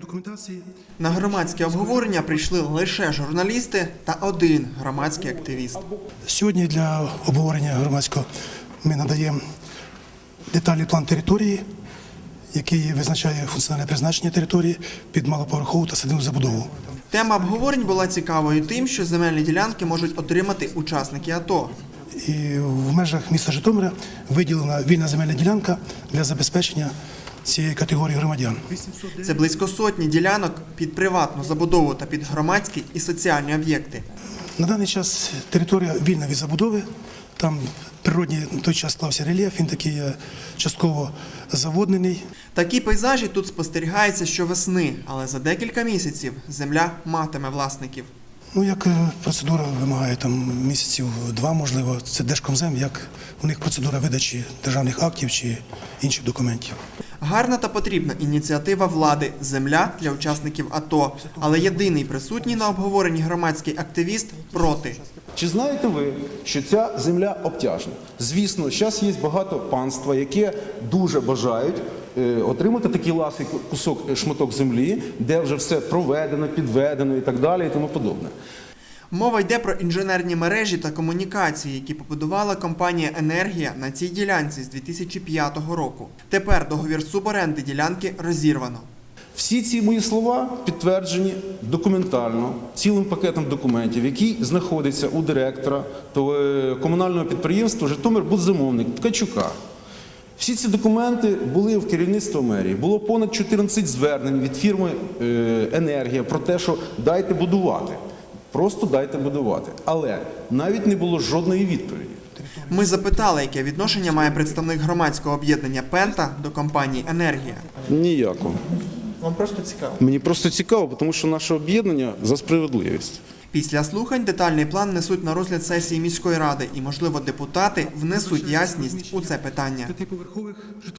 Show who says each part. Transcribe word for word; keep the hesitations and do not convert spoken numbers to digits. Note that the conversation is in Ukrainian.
Speaker 1: документації.
Speaker 2: На громадське обговорення прийшли лише журналісти та один громадський активіст.
Speaker 1: Сьогодні для обговорення громадського ми надаємо детальний план території, який визначає функціональне призначення території під малоповерхову та садибну забудову.
Speaker 2: Тема обговорень була цікавою тим, що земельні ділянки можуть отримати учасники АТО.
Speaker 1: І в межах міста Житомира виділена вільна земельна ділянка для забезпечення цієї категорії громадян.
Speaker 2: Це близько сотні ділянок під приватну забудову та під громадські і соціальні об'єкти.
Speaker 1: На даний час територія вільна від забудови. Там природній на той час склався рельєф, він такий частково заводнений.
Speaker 2: Такі пейзажі тут спостерігаються щовесни, але за декілька місяців земля матиме власників.
Speaker 1: Ну, як процедура вимагає там місяців два, можливо, це Держкомзем, як у них процедура видачі державних актів чи інших документів.
Speaker 2: Гарна та потрібна ініціатива влади – земля для учасників АТО. Але єдиний присутній на обговоренні громадський активіст проти.
Speaker 3: Чи знаєте ви, що ця земля обтяжна? Звісно, зараз є багато панства, яке дуже бажають отримати такий ласий кусок, шматок землі, де вже все проведено, підведено і так далі і тому подобне.
Speaker 2: Мова йде про інженерні мережі та комунікації, які побудувала компанія «Енергія» на цій ділянці з дві тисячі п'ятого року. Тепер договір суборенди ділянки розірвано.
Speaker 3: Всі ці мої слова підтверджені документально, цілим пакетом документів, який знаходиться у директора комунального підприємства «Житомирбудзамовник» Ткачука. Всі ці документи були в керівництві мерії. Було понад чотирнадцять звернень від фірми «Енергія» про те, що дайте будувати. Просто дайте будувати. Але навіть не було жодної відповіді.
Speaker 2: Ми запитали, яке відношення має представник громадського об'єднання «Пента» до компанії «Енергія».
Speaker 3: Ніякого.
Speaker 2: Вам просто цікаво?
Speaker 3: Мені просто цікаво, тому що наше об'єднання за справедливість.
Speaker 2: Після слухань детальний план несуть на розгляд сесії міської ради і, можливо, депутати внесуть ясність у це питання.